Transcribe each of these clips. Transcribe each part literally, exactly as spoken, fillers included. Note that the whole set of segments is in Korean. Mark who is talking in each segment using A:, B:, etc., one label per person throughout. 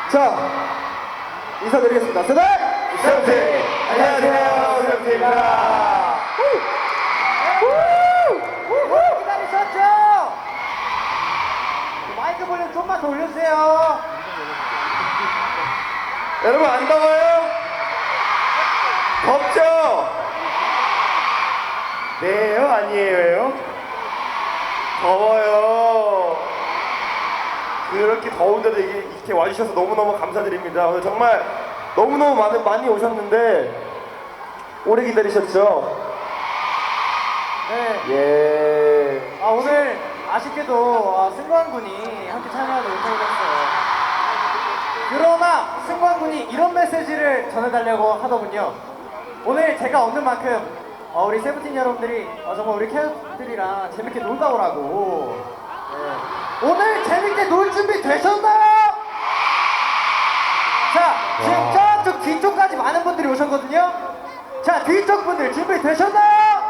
A: 자, 인사드리겠습니다. 세대
B: 세븐틴! 안녕하세요, 세븐틴입니다.
C: 기다리셨죠? 마이크 볼륨 좀만 더 올려주세요.
B: 여러분 안 더워요? 덥죠? 네요? 아니에요? 더워요. 그렇게 더운데도 이게 이렇게 와주셔서 너무너무 감사드립니다. 오늘 정말 너무너무 많이, 많이 오셨는데 오래 기다리셨죠?
C: 네.
B: 예.
C: 아, 오늘 아쉽게도 아, 승관 군이 함께 참여하지 못하게 됐어요. 그러나 승관 군이 이런 메시지를 전해달라고 하더군요. 오늘 제가 없는 만큼 어, 우리 세븐틴 여러분들이 어, 정말 우리 캐럿들이랑 재밌게 놀다 오라고. 네. 오늘 재밌게 놀 준비 되셨나요? 자, 지금 저쪽 뒤쪽까지 많은 분들이 오셨거든요. 자, 뒤쪽 분들 준비 되셨나요?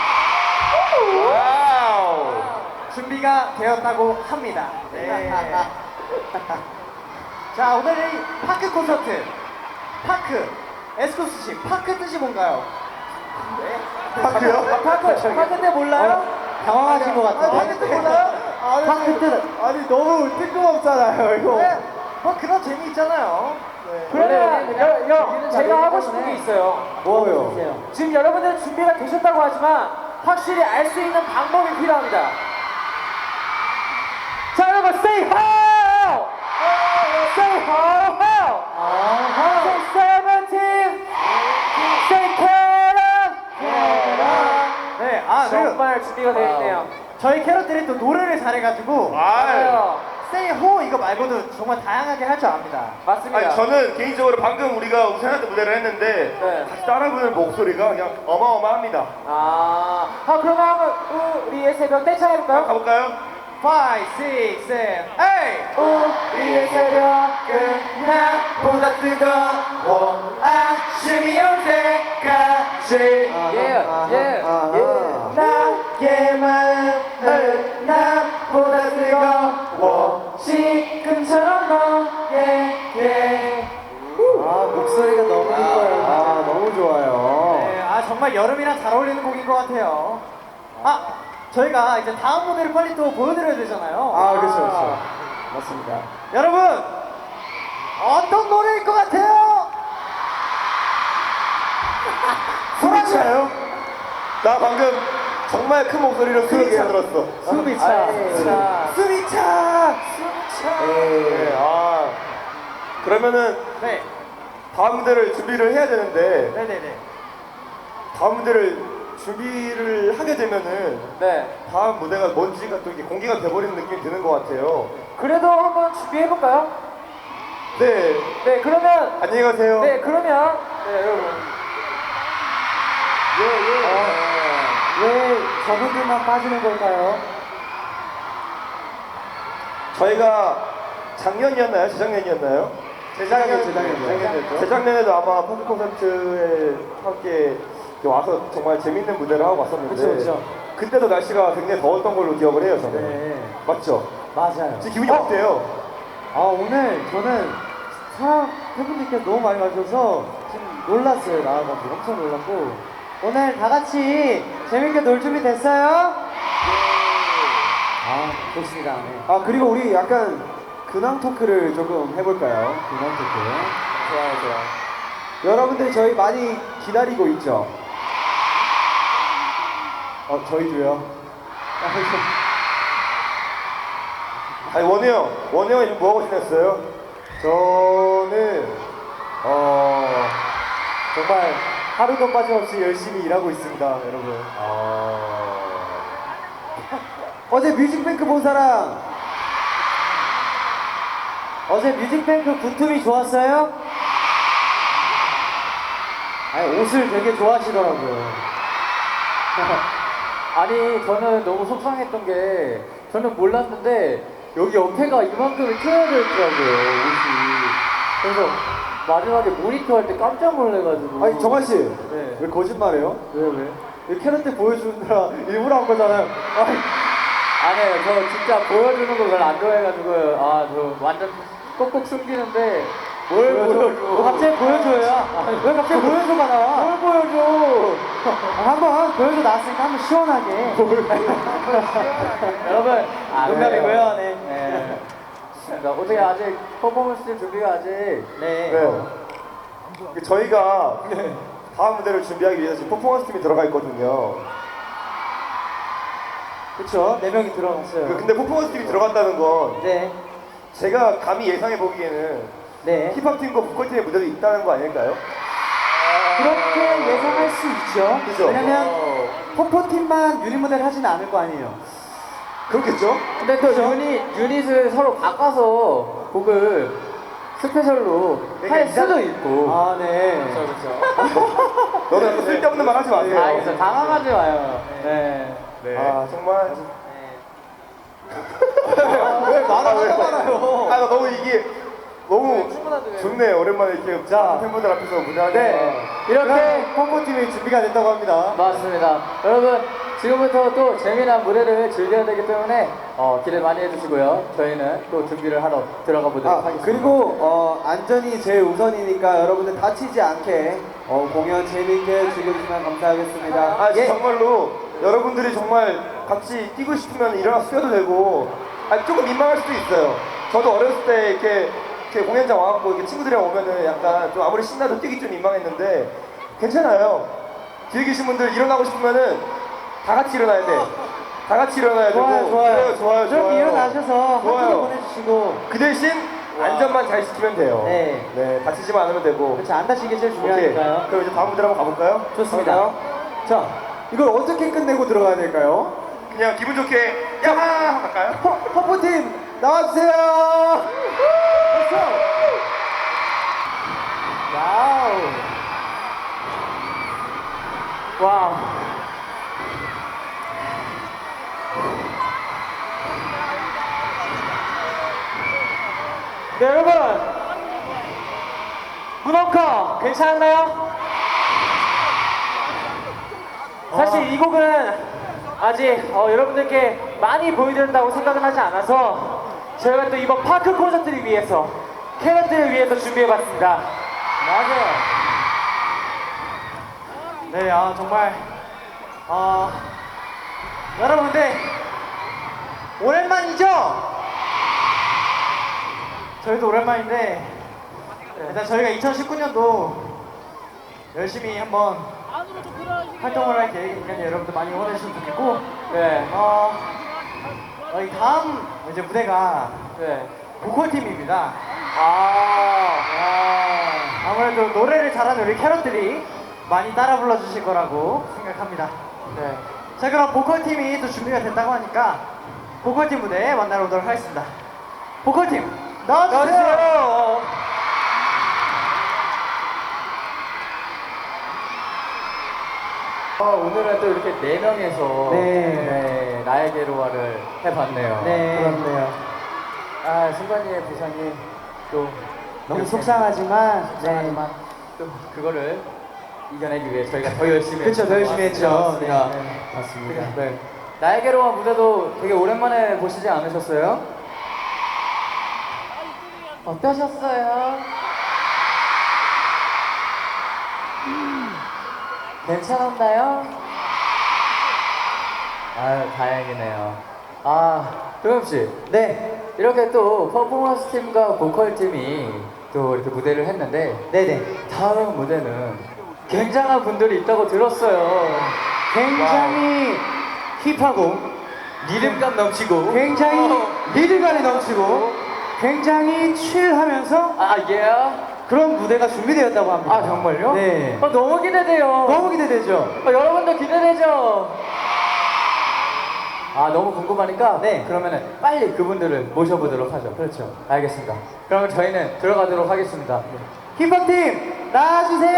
B: 와우.
C: 준비가 되었다고 합니다. 네. 자, 오늘 이 파크 콘서트. 파크. 에스코스 씨, 파크 뜻이 뭔가요? 네.
B: 파크요?
C: 파크, 파크인데 몰라요? 당황하신 것 같아요. 파크 뜻 몰라요? 아니, 파크 뜻.
A: 아니 너무 뜬금없잖아요 이거.
C: 네. 뭐 그런 재미 있잖아요. 네.
D: 그러면 여, 여, 제가 하고 싶은 게 있어요.
A: 뭐요?
D: 지금 여러분들 준비가 되셨다고 하지만 확실히 알 수 있는 방법이 필요합니다. 자, 여러분, say how! Say how, how! Say seventeen! Say Karen!
C: 네, 아, 그리고
D: 정말 준비가 되어 있네요.
C: 저희 캐럿들이 또 노래를 잘해가지고
B: 아유.
C: Say Ho 이거 말고도 정말 다양하게 할 줄 압니다.
D: 맞습니다.
B: 아니 저는 개인적으로 방금 우리가 우세한테 무대를 했는데
D: 네.
B: 같이 따라 부르는 목소리가 그냥 어마어마합니다.
D: 아, 아 그러면 한번 우리의 새벽 떼창 해볼까요?
B: 가볼까요?
C: five, six, seven, eight.
D: 우리의 새벽은 나보다 뜨거워 아침이 올 때까지 예, 예, 예. 나의 마음은 나보다 뜨거워 지금처럼 너에게
A: 아 목소리가 너무 이뻐요. 아 너무 좋아요.
C: 네, 아 정말 여름이랑 잘 어울리는 곡인 것 같아요. 아, 저희가 이제 다음 무대를 빨리 또 보여드려야 되잖아요.
A: 아 그렇죠 그렇죠. 맞습니다.
C: 여러분, 어떤 노래일 것 같아요?
B: 숨이 차요? 나 방금 정말 큰 목소리로 숨이 차 들었어.
C: 숨이 차.
D: 아,
C: 차.
B: 숨이 차. 네, 아 그러면은
C: 네,
B: 다음 무대를 준비를 해야 되는데
C: 네네네.
B: 다음 무대를 준비를 하게 되면은
D: 네.
B: 다음 무대가 뭔지가 또 이게 공개가 돼버리는 느낌이 드는 것 같아요.
D: 그래도 한번 준비해볼까요?
B: 네,
D: 네, 그러면
B: 안녕히 가세요.
D: 네, 그러면 네, 여러분
A: 왜 저분들만 빠지는 걸까요?
B: 저희가 작년이었나요? 재작년이었나요?
A: 재작년, 재작년이요.
B: 재작년이었죠. 재작년에도 아마 펑크 콘서트에 함께 와서 정말 재밌는 무대를 하고 왔었는데
A: 그쵸, 그쵸.
B: 그때도 날씨가 굉장히 더웠던 걸로 기억을 해요, 저는.
A: 네
B: 맞죠?
A: 맞아요.
B: 지금 기분이 어때요?
A: 아 오늘 저는 사람 팬분들께 너무 많이 와주셔서 지금 놀랐어요. 나와가지고 엄청 놀랐고 오늘 다 같이 재밌게 놀 준비 됐어요? 아 좋습니다. 네. 아 그리고 우리 약간 근황 토크를 조금 해볼까요? 근황 토크.
B: 좋아요, 좋아요.
A: 여러분들 저희 많이 기다리고 있죠? 어 저희도요.
B: 아니, 원우 형, 원우 형이 지금 뭐하고 지냈어요?
A: 저는 어 정말 하루도 빠짐없이 열심히 일하고 있습니다, 여러분.
B: 아...
A: 어제 뮤직뱅크 본 사람? 어제 뮤직뱅크 군툼이 좋았어요? 아니 옷을 되게 좋아하시더라고요.
D: 아니 저는 너무 속상했던 게 저는 몰랐는데 여기 옆에가 이만큼이 트여져 있더라고요 옷이. 그래서 마지막에 모니터 할 때 깜짝 놀래가지고.
A: 아니 정한 씨,
D: 네.
A: 왜 거짓말해요?
D: 왜 왜?
A: 이 캐럿 때 보여주느라 일부러 한 거잖아요. 아니,
D: 아니에요. 저 진짜 보여주는 거 별로 안 좋아해가지고 아 저 완전 꼭꼭 숨기는데 뭘
A: 너
D: 보여줘?
A: 갑자기 보여줘요. 왜 갑자기 보여줘가 나와?
D: 뭘 보여줘?
A: 아, 한번 보여줘 나왔으니까 한번 시원하게.
D: 여러분, 아,
A: 농담이고요. 네.
D: 네. 좋습니다. 어떻게 아직 퍼포먼스 준비가 아직
A: 네.
B: 네. 저희가 다음 무대를 준비하기 위해서 지금 퍼포먼스 팀이 들어가 있거든요.
A: 그쵸. 네 명이 들어갔어요.
B: 그- 근데 퍼포먼스 팀이 들어갔다는 건
A: 네.
B: 제가 감히 예상해 보기에는
A: 네.
B: 힙합 팀과 보컬 팀의 무대도 있다는 거 아닐까요?
A: 그렇게 예상할 수 있죠.
B: 그죠?
A: 왜냐면 포포팀만 유닛 모델 하진 않을 거 아니에요.
B: 그렇겠죠?
D: 근데 또 유닛, 유닛을 서로 바꿔서 곡을 스페셜로
B: 그러니까
D: 할
B: 이상-
D: 수도 있고.
A: 아, 네.
B: 너는 약간 쓸데없는 말 하지 마세요.
D: 아, 알겠어. 당황하지 마요. 네.
B: 네. 아 정말
A: 왜 말을 하고 말아요?
B: 아 나 너무 이게 너무
D: 충분한데.
B: 좋네요. 오랜만에 이렇게
A: 자.
B: 팬분들 앞에서 무대하니까.
A: 네.
D: 이렇게
A: 이렇게 포포팀이 준비가 됐다고 합니다.
D: 맞습니다. 여러분, 지금부터 또 재미난 무대를 즐겨야 되기 때문에 어, 기대 많이 해주시고요. 저희는 또 준비를 하러 들어가 보도록
E: 아,
D: 하겠습니다.
E: 그리고 어, 안전이 제일 우선이니까 여러분들 다치지 않게 어, 공연 재밌게 즐겨주시면 감사하겠습니다.
B: 아
E: 예.
B: 정말로 여러분들이 정말 같이 뛰고 싶으면 일어나서 뛰어도 되고 아 조금 민망할 수도 있어요. 저도 어렸을 때 이렇게, 이렇게 공연장 와갖고 이렇게 친구들이랑 오면은 약간 좀 아무리 신나도 뛰기 좀 민망했는데 괜찮아요. 뒤에 계신 분들 일어나고 싶으면은 다 같이 일어나야 돼. 다 같이 일어나야 되고
A: 좋아요, 좋아요.
B: 좋아요, 좋아요,
A: 저렇게
B: 좋아요.
A: 일어나셔서
B: 좋아요.
A: 한번 보내주시고.
B: 그 대신 안전만 잘 지키면 돼요.
A: 네.
B: 네, 다치지만 않으면 되고.
A: 그렇죠. 안 다치게 제일
B: 오케이.
A: 중요하니까요.
B: 그럼 이제 다음 무대로 한번 가볼까요?
A: 좋습니다.
E: 자, 이걸 어떻게 끝내고 들어가야 될까요?
B: 그냥 기분 좋게 야하 할까요?
E: 퍼, 퍼포팀 나와주세요!
A: 와우.
D: 와우.
C: 네, 여러분. 문어커 괜찮나요? 사실 이 곡은 아직 어, 여러분들께 많이 보여드린다고 생각은 하지 않아서 저희가 또 이번 파크 콘서트를 위해서 캐럿들을 위해서 준비해봤습니다.
A: 맞아요.
C: 네, 아 정말 어, 여러분들 오랜만이죠? 저희도 오랜만인데 일단 저희가 이천십구 년도 열심히 한번 활동을 할 계획이니까 여러분들 많이 응원해주시면 좋겠고
D: 네.
C: 어, 저희 다음 이제 무대가
D: 네.
C: 보컬팀입니다.
D: 아.
C: 아, 아무래도 노래를 잘하는 우리 캐럿들이 많이 따라 불러주실 거라고 생각합니다.
D: 네.
C: 자, 그럼 보컬팀이 또 준비가 됐다고 하니까 보컬팀 무대에 만나러 오도록 하겠습니다. 보컬팀 나와주세요.
D: 아, 오늘은 또 이렇게 네 명에서
A: 네.
D: 네, 나에게로와를 해봤네요.
A: 네.
E: 그렇네요.
D: 아, 승관이의 부상이 또
A: 너무
D: 이렇게
A: 속상하지만,
D: 속상하지만 또 그거를 이겨내기 위해 저희가 더 열심히
A: 그렇죠. 더 열심히 했죠.
D: 맞습니다.
A: 네, 네. 맞습니다.
D: 네. 나에게로와 무대도 되게 오랜만에 보시지 않으셨어요? 어떠셨어요? 괜찮았나요? 아유, 다행이네요. 아, 도겸씨.
A: 네.
D: 이렇게 또 퍼포먼스 팀과 보컬 팀이 또 이렇게 무대를 했는데
A: 네네.
D: 다음 무대는 굉장한 분들이 있다고 들었어요.
A: 굉장히 힙하고,
D: 리듬감 넘치고.
A: 굉장히 리듬감이 넘치고, 굉장히 칠하면서
D: 아, 예.
A: 그런 무대가 준비되었다고 합니다.
D: 아, 정말요?
A: 네.
D: 아, 너무 기대돼요.
A: 너무 기대되죠?
D: 아, 여러분도 기대되죠? 아, 너무 궁금하니까.
A: 네.
D: 그러면은 빨리 그분들을 모셔보도록 하죠. 그렇죠. 알겠습니다. 그러면 저희는 들어가도록 하겠습니다.
A: 힙합팀 나와주세요.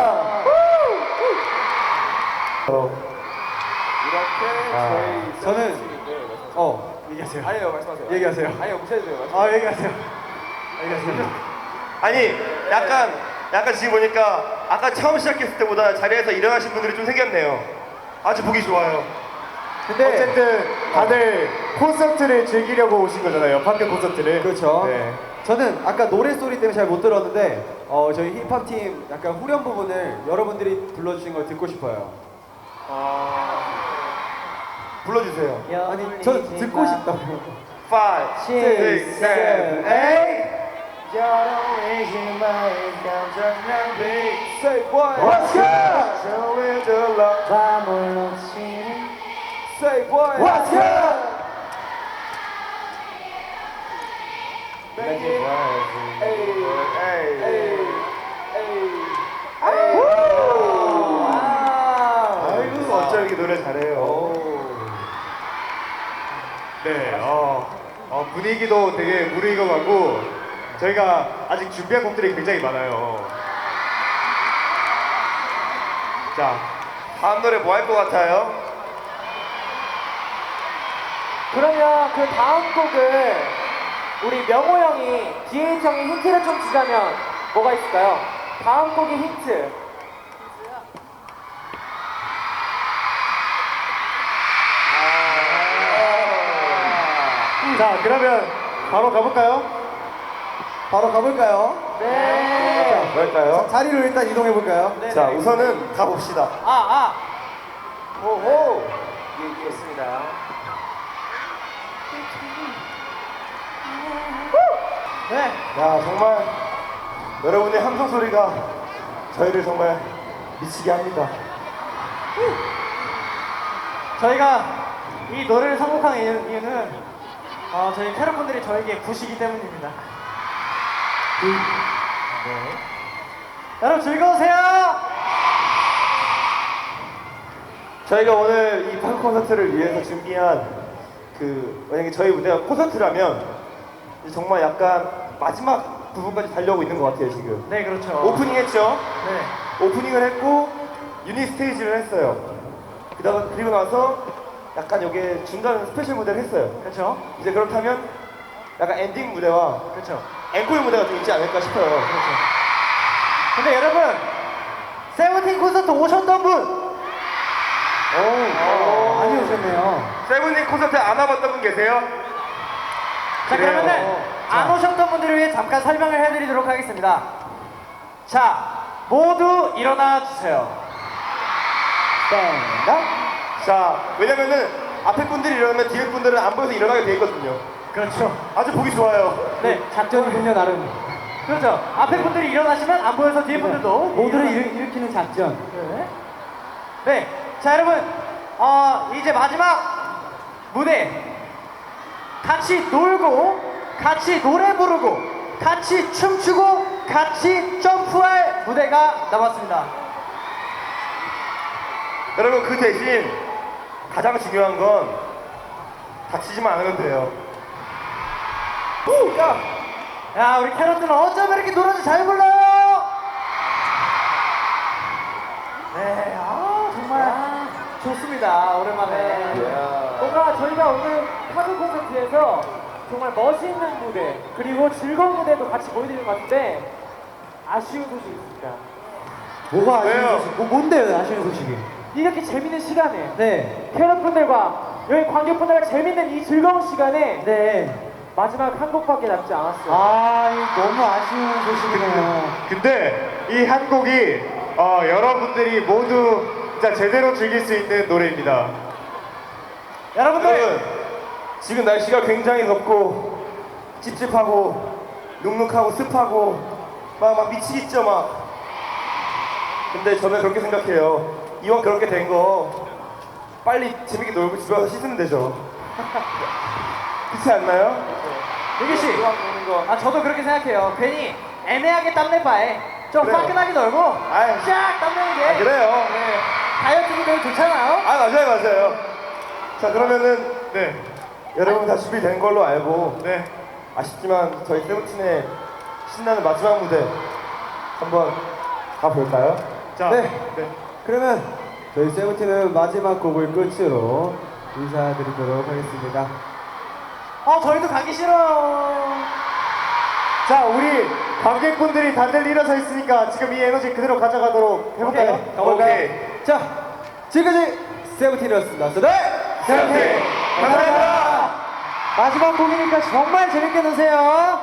B: 이렇게
D: 아.
B: 저희
E: 저는 어
B: 얘기하세요. 아니요 말씀하세요.
E: 얘기하세요.
B: 아니요 무시해도 돼요.
E: 아 얘기하세요. 얘기하세요.
B: 아니 약간 약간 지금 보니까 아까 처음 시작했을 때보다 자리에서 일어나신 분들이 좀 생겼네요. 아주 보기 좋아요.
E: 근데
B: 어쨌든
C: 다들 콘서트를 즐기려고 오신 거잖아요. 팝콘 콘서트를.
E: 그렇죠.
C: 네.
E: 저는 아까 노래 소리 때문에 잘 못 들었는데 어, 저희 힙합 팀 약간 후렴 부분을 여러분들이 불러주신 걸 듣고 싶어요.
B: 불러주세요.
E: 아니, 저 듣고 싶다고요.
B: five,
E: six, seven, eight.
B: Say what?
E: What's good?
B: Show me the love.
A: 밤을 놓치는
B: Say what?
E: What's good?
B: Make it right. Hey, hey, 아이고 어쩜 이렇게 노래 잘해요.
C: 네, 어, 어, 분위기도 되게 무르익어가고 저희가 아직 준비한 곡들이 굉장히 많아요. 자,
B: 다음 노래 뭐 할 것 같아요?
D: 그러면 그 다음 곡을 우리 명호 형이 디에이치 형이 힌트를 좀 주자면 뭐가 있을까요? 다음 곡의 힌트.
C: 자, 그러면 바로 가볼까요?
E: 바로 가볼까요?
D: 네.
B: 뭘까요?
E: 자리로 일단 이동해 볼까요?
B: 자, 우선은 가봅시다.
C: 아, 아.
B: 호호. 얘기했습니다.
C: 네.
B: 야, 정말 여러분의 함성 소리가 저희를 정말 미치게 합니다.
C: 저희가 이 노래를 선곡한 이유- 이유는 어, 저희 캐럿분들이 저에게 부시기 때문입니다. 네. 여러분 즐거우세요.
B: 저희가 오늘 이 팝 콘서트를 위해서 준비한 그 만약에 저희 무대가 콘서트라면 정말 약간 마지막 부분까지 달려오고 있는 것 같아요 지금.
C: 네, 그렇죠.
B: 오프닝 했죠.
C: 네.
B: 오프닝을 했고 유닛 스테이지를 했어요. 그다가 그리고 나서 약간 여기에 중간 스페셜 무대를 했어요.
C: 그렇죠.
B: 이제 그렇다면 약간 엔딩 무대와
C: 그렇죠.
B: 앵콜 무대가 좀 있지 않을까 싶어요.
C: 그렇죠. 근데 여러분 세븐틴 콘서트 오셨던 분
E: 오, 많이 오셨네요.
B: 세븐틴 콘서트 안 와봤던 분 계세요?
C: 자,
B: 그래요.
C: 그러면은 안 오셨던 분들을 위해 잠깐 설명을 해드리도록 하겠습니다. 자, 모두 일어나 주세요.
E: 땡다.
B: 자, 왜냐면은 앞에 분들이 일어나면 뒤에 분들은 안 보여서 일어나게 돼 있거든요.
C: 그렇죠.
B: 아주 보기 좋아요.
C: 네,
E: 작전이군요, 나름.
C: 그렇죠. 앞에 분들이 일어나시면 안 보여서 뒤에 분들도
E: 모두를
C: 일어나-
E: 일, 일으키는 작전.
C: 네. 네. 자, 여러분, 어, 이제 마지막 무대 같이 놀고 같이 노래 부르고 같이 춤추고 같이 점프할 무대가 남았습니다.
B: 여러분 그 대신 가장 중요한 건 다치지만 않으면 돼요. 야!
C: 야, 우리 캐럿들은 어쩜 이렇게 노래를 잘 불러요? 네, 아, 정말 좋습니다. 오랜만에.
D: 뭔가 저희가 오늘 팝콘 콘서트에서 정말 멋있는 무대 그리고 즐거운 무대도 같이 보여드리는 것 같은데 아쉬운 소식이 있습니다.
E: 뭐가 아쉬운
B: 왜요?
E: 소식? 뭐, 뭔데요, 아쉬운 소식이?
D: 이렇게 재밌는 시간에
E: 네.
D: 캐럿분들과 여기 관객분들과 재밌는 이 즐거운 시간에
E: 네.
D: 마지막 한 곡밖에 남지 않았어요.
E: 아, 이 너무 아쉬운 소식이네요.
C: 근데 이 한 곡이 어, 여러분들이 모두 진짜 제대로 즐길 수 있는 노래입니다. 여러분들,
B: 여러분 지금 날씨가 굉장히 덥고 찝찝하고 눅눅하고 습하고 막, 막 미치겠죠 막. 근데 저는 그렇게 생각해요. 이왕 그렇게 된 거 빨리 재밌게 놀고 집에 가서 씻으면 되죠. 그렇지 않나요?
C: 유기 씨,
B: 이왕 노는 거.
C: 아 저도 그렇게 생각해요. 괜히 애매하게 땀낼 바에 좀
B: 그래요.
C: 화끈하게 놀고
B: 아이.
C: 쫙 땀내는 게
B: 아, 그래요.
C: 네, 다이어트도 되게 좋잖아요.
B: 아 맞아요 맞아요. 자 그러면은
C: 네,
B: 여러분 다 준비된 걸로 알고
C: 네.
B: 아쉽지만 저희 세븐틴의 신나는 마지막 무대 한번 가볼까요?
C: 자,
E: 네.
C: 네.
E: 그러면 저희 세븐틴은 마지막 곡을 끝으로 인사드리도록 하겠습니다.
C: 어, 저희도 가기 싫어요. 자, 우리 관객분들이 다들 일어서 있으니까 지금 이 에너지 그대로 가져가도록 해볼까요?
E: 오케이, 가볼까요?
B: 오케이.
E: 자, 지금까지 세븐틴이었습니다. 네!
B: 세븐틴! 감사합니다.
A: 마지막 곡이니까 정말 재밌게 노세요.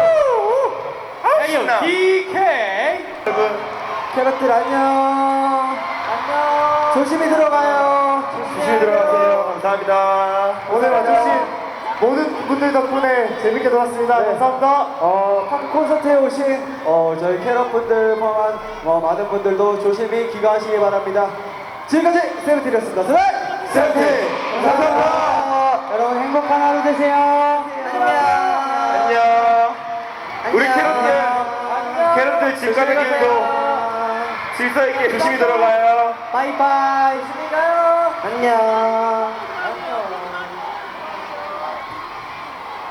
B: 신나.
C: 디케이.
B: 여러분
A: 캐럿들 안녕. 안녕. 조심히 들어가요.
B: 조심히 들어가세요. 감사합니다.
C: 오늘 와주신 모든 분들 덕분에 재밌게 놀았습니다.
A: 네.
C: 감사합니다.
A: 어, 팝 콘서트에 오신 어, 저희 캐럿분들 포함한 어, 많은 분들도 조심히 귀가하시기 바랍니다. 지금까지 세븐틴이었습니다. 세븐!
B: 세븐틴 감사합니다.
A: 여러분 행복한 하루 되세요. 안녕.
B: 안녕. 우리 캐럿들 캐럿들 집 가는 길도 질서 있게 조심히 들어가요.
A: 바이바이. 조심히 가요. 안녕.